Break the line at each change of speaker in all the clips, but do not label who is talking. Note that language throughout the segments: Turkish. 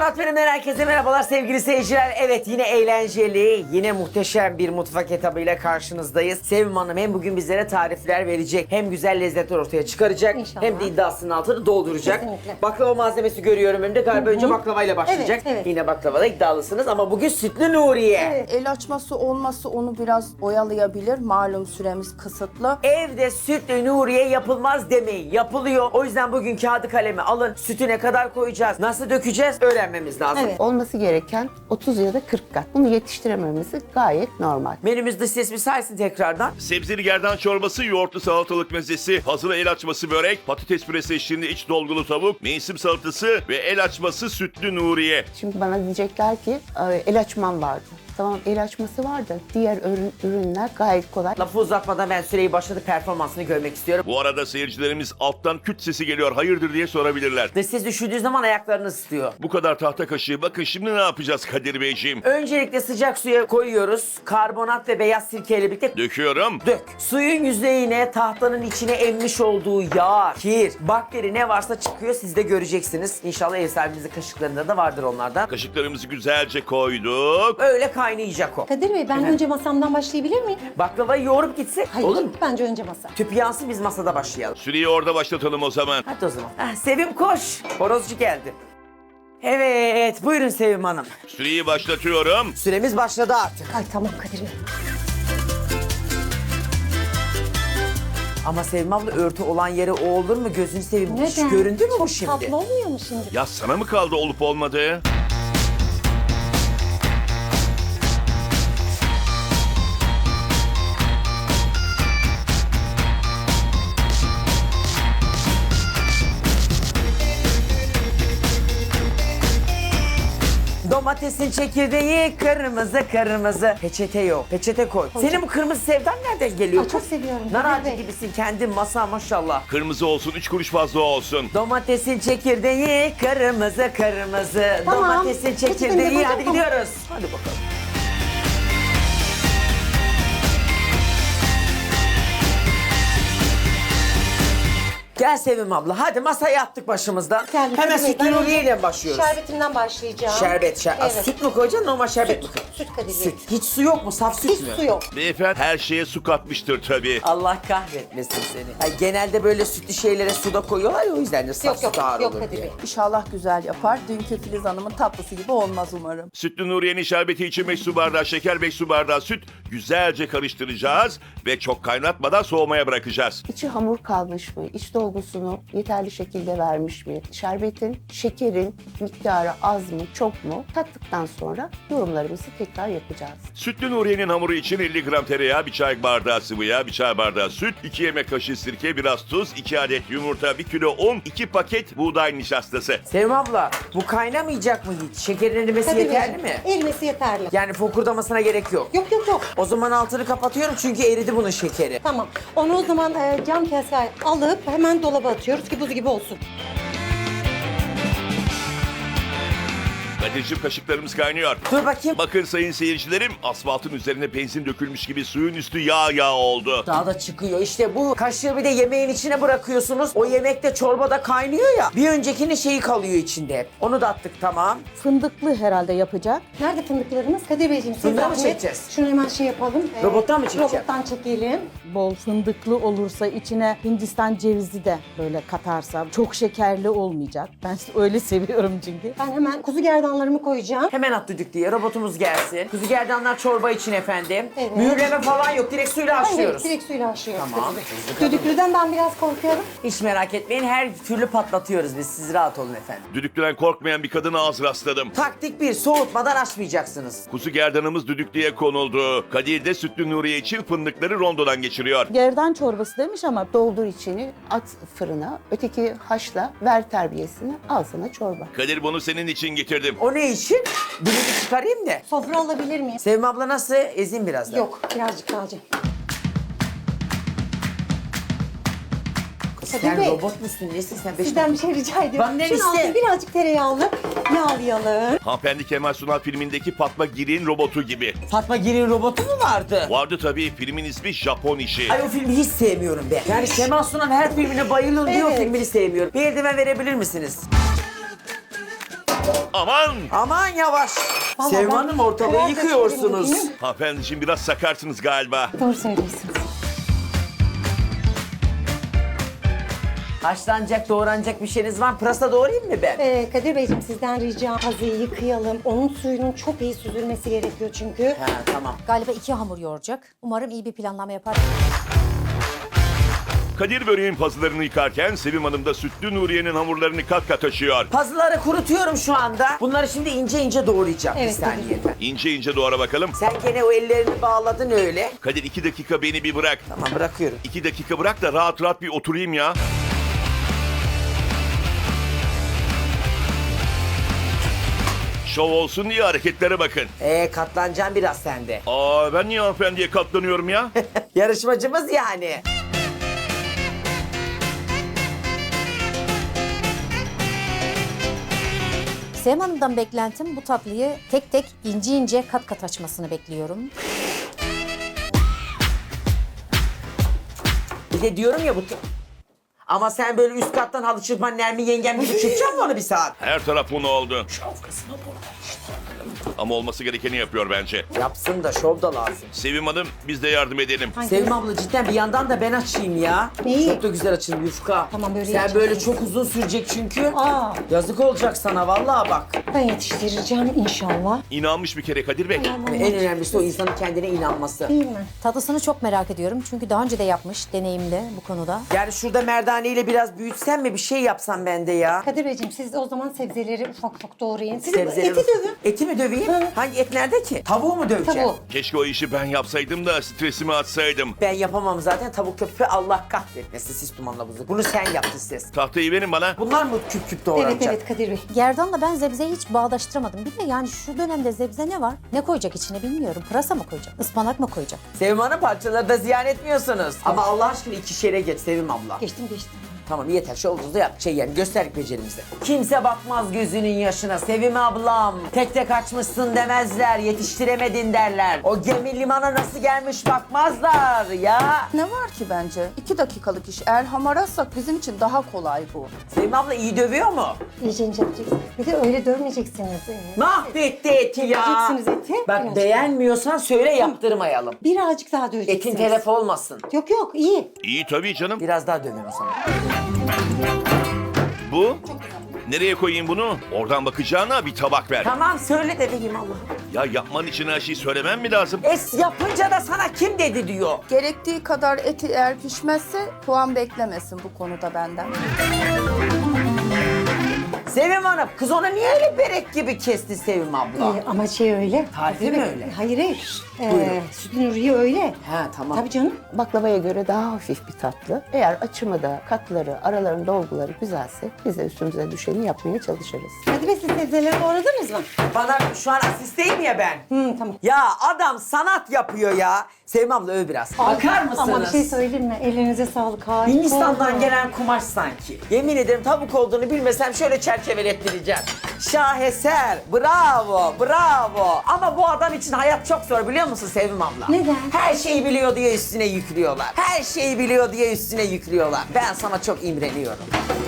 Murat Fenomen, herkese merhabalar sevgili seyirciler. Evet, yine eğlenceli, yine muhteşem bir mutfak etabıyla karşınızdayız. Sevim Hanım hem bugün bizlere tarifler verecek, hem güzel lezzetler ortaya çıkaracak,
İnşallah.
hem de iddiasının altını dolduracak.
Kesinlikle.
Baklava malzemesi görüyorum önümde. Galiba önce baklavayla başlayacak.
Evet, evet.
Yine baklavada iddialısınız ama bugün sütlü Nuriye.
Evet.
El açması olması onu biraz oyalayabilir. Malum süremiz kısıtlı.
Evde sütlü Nuriye yapılmaz demeyin. Yapılıyor. O yüzden bugün kağıdı kalemi alın. Sütü ne kadar koyacağız, nasıl dökeceğiz öğrenmemiz lazım.
Evet.
Olması gereken 30 ya da 40 kat. Bunu yetiştirememesi gayet normal.
Menümüz dış ses bir saysın tekrardan.
Sebzeli gerdan çorbası, yoğurtlu salatalık mezesi, hazır el açması börek, patates püresi eşliğinde iç dolgulu tavuk, mevsim salatası ve el açması sütlü Nuriye.
Şimdi bana diyecekler ki el açmam vardı. Tamam, el açması var da diğer ürünler gayet kolay.
Lafı uzatmadan ben süreyi başladı, performansını görmek istiyorum.
Bu arada seyircilerimiz alttan küt sesi geliyor, hayırdır diye sorabilirler.
Dış ses düşürdüğü zaman ayaklarını ısıtıyor.
Bu kadar tahta kaşığı, bakın şimdi ne yapacağız Kadir Beyciğim?
Öncelikle sıcak suya koyuyoruz. Karbonat ve beyaz sirkeyle birlikte
Döküyorum.
dök. Suyun yüzeyine tahtanın içine emmiş olduğu yağ, kir, bakteri ne varsa çıkıyor. Siz de göreceksiniz. İnşallah ev sahibimizin kaşıklarında da vardır onlardan.
Kaşıklarımızı güzelce koyduk.
Öyle kaynayacak o.
Kadir Bey, ben önce masamdan başlayabilir miyim?
Baklavayı yoğurup gitsek
Hayır,
olur mu?
bence önce masa.
Tüp yansın, biz masada başlayalım.
Süreyi orada başlatalım o zaman.
Hadi o zaman. Sevim koş. Horozcu geldi. Evet, buyurun Sevim Hanım.
Süreyi başlatıyorum.
Süremiz başladı artık.
Ay tamam Kadir Bey.
Ama Sevim abla, örtü olan yere o olur mu? Gözünü seveyim. Hiç
Neden?
göründü mü bu
Çok
şimdi?
tatlı olmuyor mu şimdi?
Ya sana mı kaldı olup olmadığı?
Domatesin çekirdeği kırmızı kırmızı. Peçete yok. Peçete koy. Senin bu kırmızı sevdan nereden geliyor?
Ay, çok seviyorum.
Nar
Kadir
ağacı
Bey.
gibisin kendin, masa maşallah.
Kırmızı olsun, 3 kuruş fazla olsun.
Domatesin çekirdeği kırmızı kırmızı.
Tamam.
Domatesin
Peçetemi de
çekirdeği.
koydum,
Hadi
tamam.
gidiyoruz. Hadi bakalım. Gel Sevim abla. Hadi masaya attık başımızdan.
Geldim,
Hemen
Kadir Bey,
sütlü
ben
Nuriye ile başlıyoruz.
Şerbetimden başlayacağım.
Şerbet.
Evet.
Süt mü koyacaksın, normal şerbet mi koyacaksın?
Süt Kadir Bey.
Süt. Hiç su yok mu? Saf süt
Hiç
mü?
su yok.
Beyefendi her şeye su katmıştır tabii.
Allah kahretmesin seni. Ay, genelde böyle sütlü şeylere suda koyuyorlar ya, o yüzden de saf
Yok,
süt
yok,
ağır
yok
olur
Kadir
diye.
Bey.
İnşallah güzel yapar. Dünkü Filiz Hanım'ın tatlısı gibi olmaz umarım.
Sütlü Nuriye'nin şerbeti için 5 su bardağı şeker, 5 su bardağı süt güzelce karıştıracağız ve çok kaynatmadan soğumaya bırakacağız.
İçi hamur kalmış mı? İç dolgusunu yeterli şekilde vermiş mi? Şerbetin, şekerin miktarı az mı, çok mu? Tattıktan sonra yorumlarımızı tekrar yapacağız.
Sütlü Nuriye'nin hamuru için 50 gram tereyağı, 1 çay bardağı sıvı yağ, 1 çay bardağı süt, 2 yemek kaşığı sirke, biraz tuz, 2 adet yumurta, 1 kilo un, 2 paket buğday nişastası.
Sevim abla, bu kaynamayacak mı hiç? Şekerin erimesi
Kadir
yeterli
Bey,
mi?
erimesi yeterli.
Yani fokurdamasına gerek yok.
Yok yok yok.
O zaman altını kapatıyorum çünkü eridi bunun şekeri.
Tamam. Onu o zaman cam kaseye alıp hemen dolaba atıyoruz ki buz gibi olsun.
Kadir'cim kaşıklarımız kaynıyor.
Dur bakayım.
Bakın sayın seyircilerim, asfaltın üzerine benzin dökülmüş gibi suyun üstü yağ oldu.
Daha da çıkıyor. İşte bu kaşığı bir de yemeğin içine bırakıyorsunuz. O yemekte çorbada kaynıyor ya. Bir öncekinin şeyi kalıyor içinde hep. Onu da attık, tamam.
Fındıklı herhalde yapacak.
Nerede fındıklarımız? Kadir Beyciğim siz
Fındığı mı
zahmet.
çekeceğiz?
Şunu hemen şey yapalım.
Robottan mı çekeceğim?
Robottan çekelim.
Bol fındıklı olursa içine Hindistan cevizi de böyle katarsam çok şekerli olmayacak. Ben öyle seviyorum çünkü.
Ben hemen kuzu gerdanlarımı koyacağım.
Hemen at düdük diye robotumuz gelsin. Kuzu gerdanlar çorba için efendim.
Evet.
Mühürleme falan yok. Direkt suyla haşlıyoruz.
Direkt suyla haşlıyoruz.
Tamam.
Kadir Bey. Düdüklüden ben biraz korkuyorum.
Hiç merak etmeyin. Her türlü patlatıyoruz biz. Siz rahat olun efendim.
Düdüklüden korkmayan bir kadına az rastladım.
Taktik 1. Soğutmadan açmayacaksınız.
Kuzu gerdanımız düdüklüye konuldu. Kadir de Sütlü Nuriye için fındıkları rondodan geçiriyor.
Gerdan çorbası demiş ama
Doldur içini, at fırına, öteki haşla, ver terbiyesini, al sana çorba.
Kadir bunu senin için getirdim.
O ne için? Dilimi çıkarayım da.
Sofra alabilir miyim?
Sevim abla nasıl? Ezeyim biraz da.
Yok, birazcık daha acı.
Sen
Kadir Bey,
robot musun? Nesin sen?
sizden bir şey rica ediyorum.
Benden
Şunun
iste.
altına birazcık tereyağlı yağlayalım.
Hanımefendi Kemal Sunal filmindeki Fatma Giri'nin robotu gibi.
Fatma Giri'nin robotu mu vardı?
Vardı tabii, filmin ismi Japon işi.
Ay, o filmi hiç sevmiyorum ben. Yani Kemal Sunal her filmine bayılıyorum diye o
Evet.
filmini sevmiyorum. Bir eldiven verebilir misiniz?
Aman!
Aman yavaş.
Vallahi
Sevim
ben
Hanım ortalığı
kırar
yıkıyorsunuz.
dökerim dedim.
Hanımefendiciğim biraz sakarsınız galiba.
Doğru söylüyorsunuz.
Haşlanacak, doğranacak bir şeyiniz var mı? Pırasa doğrayayım mı ben?
Kadir Beyciğim sizden ricam pazıyı yıkayalım. Onun suyunun çok iyi süzülmesi gerekiyor çünkü.
Ha, tamam.
Galiba 2 hamur yoğuracak. Umarım iyi bir planlama yapar.
Kadir böreğin pazılarını yıkarken Sevim Hanım da Sütlü Nuriye'nin hamurlarını kat kat açıyor.
Pazıları kurutuyorum şu anda. Bunları şimdi ince ince doğrayacağım.
Evet,
Bir saniye efendim.
İnce ince doğra bakalım.
Sen gene o ellerini bağladın öyle.
Kadir 2 dakika beni bir bırak.
Tamam bırakıyorum.
2 dakika bırak da rahat rahat bir oturayım ya. Şov olsun diye hareketlere bakın.
Katlanacağım biraz sende.
Aa ben niye hanımefendiye katlanıyorum ya?
Yarışmacımız yani.
Sevim Hanım'dan beklentim bu tatlıyı tek tek ince ince kat kat açmasını bekliyorum.
Bir de diyorum ya bu... Ama sen böyle üst kattan halı çırpman Nermin yengem gibi çırpacaksın mı onu bir saat?
Her taraf un oldu. Ama olması gerekeni yapıyor bence.
Yapsın da şov da lazım.
Sevim Hanım biz de yardım edelim.
Sevim abla cidden bir yandan da ben açayım ya.
Neyi?
Çok da güzel açayım yufka.
Tamam, böyle
Sen
yapacağım.
böyle çok uzun sürecek çünkü.
Aa.
Yazık olacak sana vallahi bak.
Ben yetiştireceğim inşallah.
İnanmış bir kere Kadir Bey.
En önemlisi o insanın kendine inanması.
Değil mi?
Tatlısını çok merak ediyorum çünkü daha önce de yapmış, deneyimli bu konuda.
Yani şurada merdaneyle biraz büyütsen mi bir şey yapsam ben de ya?
Kadir Beyciğim siz o zaman sebzeleri ufak ufak doğrayın. Siz
Sebzeleri-
eti dövün.
Eti mi döveyim?
Hı.
Hangi et nerede ki? Tavuğu mu döveceğim?
Tavuğu.
Keşke o işi ben yapsaydım da stresimi atsaydım.
Ben yapamam zaten tavuk köpüğü Allah kahretmesin siz dumanla buzu. Bunu sen yaptın siz.
Tahtayı verin bana.
Bunlar mı küp küp
Evet
doğranacak?
evet Kadir Bey.
Gerdan'la ben zebzeyi hiç bağdaştıramadım. Bir de yani şu dönemde zebze ne var? Ne koyacak içine bilmiyorum. Pırasa mı koyacak? Ispanak mı koyacak?
Sevim Hanım parçaları da ziyan etmiyorsunuz. Ama Allah aşkına 2'şere geç Sevim abla.
Geçtim.
Tamam yeter şu olduğunuzda yap. Yani gösterdik becerimizi. Kimse bakmaz gözünün yaşına Sevim ablam. Tek tek açmışsın demezler. Yetiştiremedin derler. O gemi limana nasıl gelmiş bakmazlar ya.
Ne var ki bence? 2 dakikalık iş. Eğer hamar atsak bizim için daha kolay bu.
Sevim abla iyi dövüyor mu?
İyice ince yapacaksınız. Bir de öyle dövmeyeceksiniz.
Mahvetti eti ya.
Döveceksiniz eti.
Bak
Birazcık.
beğenmiyorsan söyle yaptırmayalım.
Birazcık daha döveceksiniz.
Etin telef olmasın.
Yok iyi.
İyi tabii canım.
Biraz daha dövün o zaman.
Bu? Nereye koyayım bunu? Oradan bakacağına bir tabak ver.
Tamam söyle de vereyim Allah'ım.
Ya yapman için her şeyi söylemem mi lazım?
Es yapınca da sana kim dedi diyor.
Gerektiği kadar eti eğer pişmezse puan beklemesin bu konuda benden.
Sevim Hanım, kız ona niye öyle berek gibi kesti Sevim abla?
Ama şey öyle.
Tarifi
Kadir
mi
Bey,
öyle?
Hayır.
Buyurun.
Sütün Nuriye öyle.
He tamam.
Tabii canım.
Baklavaya göre daha hafif bir tatlı. Eğer açımı da katları, araların dolguları güzelse biz de üstümüze düşeni yapmaya çalışırız.
Kadir Bey siz sebzeleri doğradınız mı?
Bana şu an asisteyim ya ben.
Tamam.
Ya adam sanat yapıyor ya. Sevim abla öv biraz. Bakar mısınız?
Ama bir şey söyleyeyim mi? Ellerinize sağlık. Harika
Hindistan'dan
oldu.
gelen kumaş sanki. Yemin ederim tavuk olduğunu bilmesem şöyle çerçevelettireceğim. Şaheser. Bravo, bravo. Ama bu adam için hayat çok zor biliyor musun Sevim abla?
Neden?
Her şeyi biliyor diye üstüne yüklüyorlar. Her şeyi biliyor diye üstüne yüklüyorlar. Ben sana çok imreniyorum.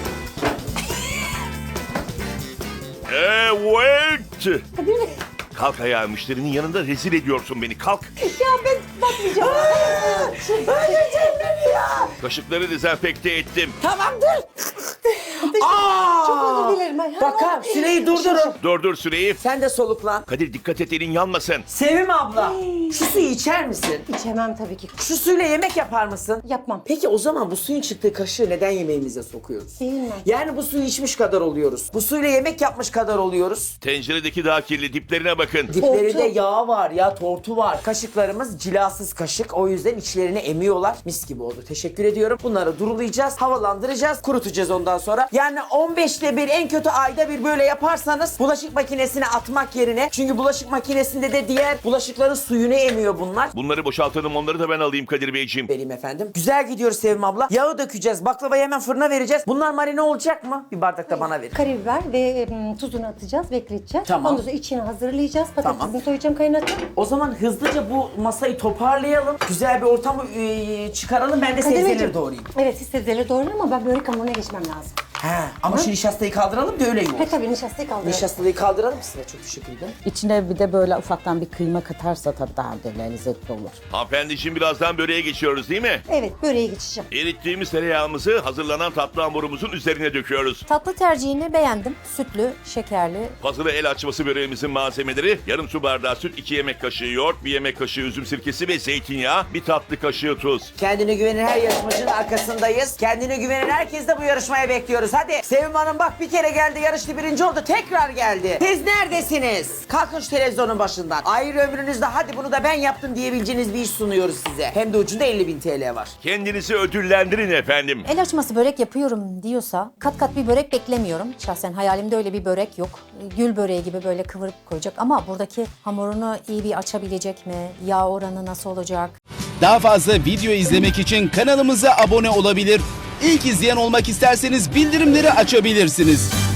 Evet.
Kadir Bey.
Kalk ayağa, müşterinin yanında rezil ediyorsun beni. Kalk.
Ya ben bakmayacağım.
Öleceğim beni ya.
Kaşıkları dezenfekte ettim.
Tamam dur. Aa!
Çok özür dilerim. Ay,
Bakar süreyi durdurun.
Dur Süreyi.
Sen de soluklan.
Kadir dikkat et, elin yanmasın.
Sevim abla şu suyu içer misin?
İçemem tabii ki.
Şu suyla yemek yapar mısın?
Yapmam.
Peki o zaman bu suyun çıktığı kaşığı neden yemeğimize sokuyoruz?
Değil mi?
Yani bu suyu içmiş kadar oluyoruz. Bu suyla yemek yapmış kadar oluyoruz.
Tenceredeki daha kirli, diplerine bakın.
Diplerinde
Tortu.
yağ var ya, tortu var. Kaşıklarımız cilasız kaşık. O yüzden içlerini emiyorlar. Mis gibi oldu. Teşekkür ediyorum. Bunları durulayacağız, havalandıracağız, kurutacağız ondan sonra. Yani 15'te bir, en kötü ayda bir böyle yaparsanız bulaşık makinesine atmak yerine. Çünkü bulaşık makinesinde de diğer bulaşıkların suyunu emiyor bunlar.
Bunları boşaltalım, onları da ben alayım Kadir Beyciğim.
Vereyim efendim. Güzel gidiyoruz Sevim abla. Yağı dökeceğiz. Baklavayı hemen fırına vereceğiz. Bunlar marine olacak mı? Bir bardak da bana verin.
Karabiber ve tuzunu atacağız, bekleteceğiz.
Tamam.
Ondan sonra içini hazırlayacağız. Patatesini
Tamam.
soyacağım, kaynatacağım.
O zaman hızlıca bu masayı toparlayalım. Güzel bir ortamı çıkaralım. Ben de
Kadir
sebzeleri
Beyciğim,
doğrayayım.
Evet siz sebzeleri doğrayın ama ben börek hamuruna geçmem lazım.
Ha, ama şu nişastayı kaldıralım da öyle yoğur.
Tabii nişastayı kaldıralım.
Nişastalıyı kaldıralım size. Çok teşekkür ederim.
İçine bir de böyle ufaktan bir kıyma katarsa tabii daha da lezzetli olur.
Hanımefendi şimdi birazdan böreğe geçiyoruz değil mi?
Evet, böreğe geçeceğim.
Erittiğimiz tereyağımızı hazırlanan tatlı hamurumuzun üzerine döküyoruz.
Tatlı tercihini beğendim. Sütlü, şekerli.
Fazla el açması böreğimizin malzemeleri: yarım su bardağı süt, 2 yemek kaşığı yoğurt, 1 yemek kaşığı üzüm sirkesi ve zeytinyağı, 1 tatlı kaşığı tuz.
Kendine güvenen her yarışmacının arkasındayız. Kendine güvenen herkes de bu yarışmaya bekliyoruz. Hadi Sevim Hanım bak bir kere geldi, yarıştı, birinci oldu, tekrar geldi. Siz neredesiniz? Kalkın şu televizyonun başından. Ayrı ömrünüzde hadi bunu da ben yaptım diyebileceğiniz bir iş sunuyoruz size. Hem de ucunda 50.000 TL var.
Kendinizi ödüllendirin efendim.
El açması börek yapıyorum diyorsa kat kat bir börek beklemiyorum. Şahsen hayalimde öyle bir börek yok. Gül böreği gibi böyle kıvırıp koyacak ama buradaki hamurunu iyi bir açabilecek mi? Yağ oranı nasıl olacak?
Daha fazla video izlemek için kanalımıza abone olabilir. İlk izleyen olmak isterseniz bildirimleri açabilirsiniz.